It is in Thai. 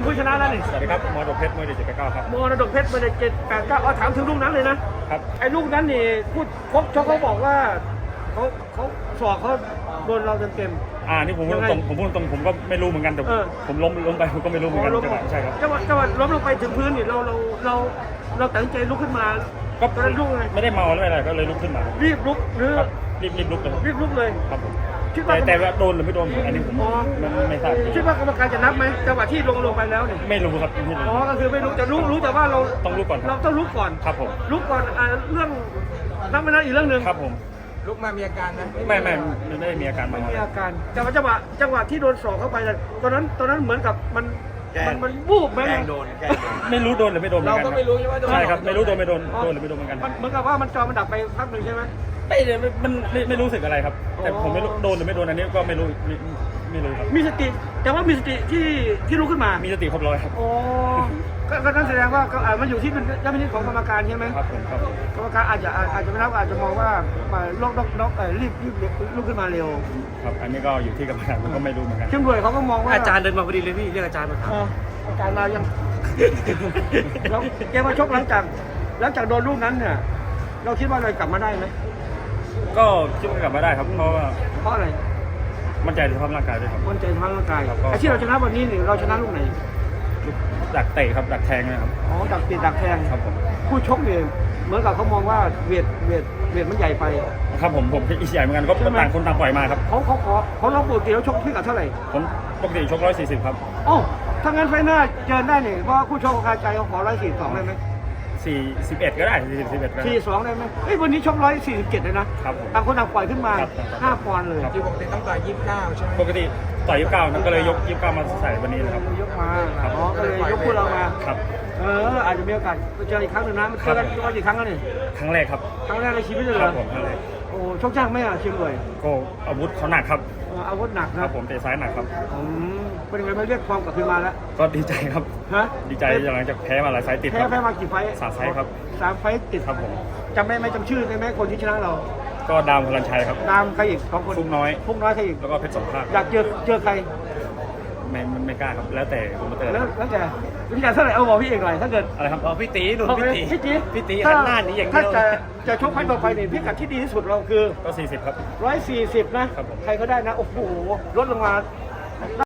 ผู้ชนะแล้วนี่สวัสดีครับมรดกเพชรมวยเด็ด789ครับมรดกเพชรมาใน789เอาถามถึงลูกนั้นเลยนะครับไอ้ลูกนั้นนี่พูดชกเขาบอกว่าเขาสอกเขาโดนเราเต็มนี่ผมพูดตรงผมก็ไม่รู้เหมือนกันแต่ผมล้มไปผมก็ไม่รู้เหมือนกันใช่ครับจังหวะล้มลงไปถึงพื้นนี่เราตัดสินใจลุกขึ้นมาก็ตอนนั้นลุกไงไม่ได้เมาอะไรก็เลยลุกขึ้นมารีบลุกหรือรีบลุกเลยรีบลุกเลยครับผมคิดว่าแต่ว่าโดนหรือไม่โดนอันนี้ผมไม่ทราบคิดว่ากรรมการจะนับไหมจังหวะที่ลงไปแล้วเนี่ยไม่รู้ครับก็คือไม่รู้จะรู้แต่ว่าเราต้องรู้ก่อนเราต้องรู้ก่อนครับผมรู้ก่อนเรื่องนับไม่นับอีกเรื่องนึงครับผมลุกมามีอาการนะไม่ได้มีอาการไม่มีอาการแต่ว่าจังหวะที่โดนสอกเข้าไปตอนนั้นเหมือนกับมันบูบไหมไม่รู้โดนหรือไม่โดนเราก็ไม่รู้ใช่ไหมใช่ครับไม่รู้โดนไม่โดนหรือไม่โดนเหมือนกันเหมือนกับว่ามันจอมันดับไปพักหนึ่งใช่ไหมไม่รู้สึกอะไรครับแต่ผมไม่รู้โดนหรือไม่โดนอันนี้ก็ไม่รู้ครับมีสติแต่ว่ามีสติที่ลุกขึ้นมามีสติครบร้อยครับโอ้ก็นั่นแสดงว่ามันอยู่ที่ดุลพินิจของกรรมการใช่ไหมครับผมครับกรรมการอาจจะไม่รับอาจจะมองว่าล็อกรีบลุกขึ้นมาเร็วครับอันนี้ก็อยู่ที่กรรมการผมก็ไม่รู้เหมือนกันเชื่อมด้วยเขาก็มองว่าอาจารย์เดินมาพอดีเลยพี่เรียกอาจารย์มาถามอาจารย์มายังแล้วแกมาชกหลังจากโดนลูกนั้นเนี่ยเราคิดว่าเรากลับมาได้ไหมก็คิดว่ากลับมาได้ครับเพราะอะไรมั่นใจในสภาพร่างกายด้วยครับมั่นใจในสภาพร่างกายไอ้ที่เราชนะวันนี้นี่เราชนะลูกไหนดักเตะครับดักแทงนะครับดักเตะดักแทงครับผมผู้ชกเนี่ยเหมือนกับเขามองว่าเวทมันใหญ่ไปครับผมอีกใหญ่เหมือนกันก็ต่างคนต่างปล่อยมาครับเขาลองปกติแล้วชกที่กับเท่าไหร่ผมปกติชก140ครับถ้างั้นไฟหน้าเจอได้เนี่ยเพราะคู่ชกของคาใจเขาขอ142ได้ไหม 41ก็ได้41ก็ได้ 42ได้ไหมวันนี้ชก147เลยนะครับต่างคนต่างปล่อยขึ้นมา5ปอนด์เลยที่ปกติต้องต่อย29ใช่ไหมปกติต่อย29นั่นก็เลยยก29มาใส่วันนี้นะครับยกมาก็เลยยกคู่เรามาครับอาจจะมีโอกาสเจออีกครั้งหนึ่งนะมันเจอกันกี่ครั้งแล้วนี่ครั้งแรกครับครั้งแรกในชีวิตเลยเหรอครับผมครั้งแรกโอ้ชกยากไหมเชียงรายก็อาวุธเขาหนักครับอาวุธหนักครับผมเตะซ้ายหนักครับเป็นยังไงมาเรียกความกลับคืนมาแล้วก็ดีใจครับดีใจหลังจากแพ้มาหลายไฟติดแพ้มากี่ไฟ 3 ไฟครับ 3 ไฟติดครับผมจำได้ไหมจำชื่อได้ไหมคนที่ชนะเราก็ดามพลันชัยครับดามใครอีก2 คนฟุกน้อยใครอีกแล้วก็เพชรสงครามอยากเจอใครไม่กล้าครับแล้วแต่ผมเตอร์แล้วแต่วิจารณ์เท่าไหร่บอกพี่เอกหน่อยถ้าเกิดอะไรครับพี่ตีหนุนพี่ตีถ้าหน้านี้อย่างเดียวถ้าจะชกไฟต่อไปเนี่ยพิกัดที่ดีที่สุดเราคือก็40ครับ 140นะใครก็ได้นะโอ้โหลดลงมา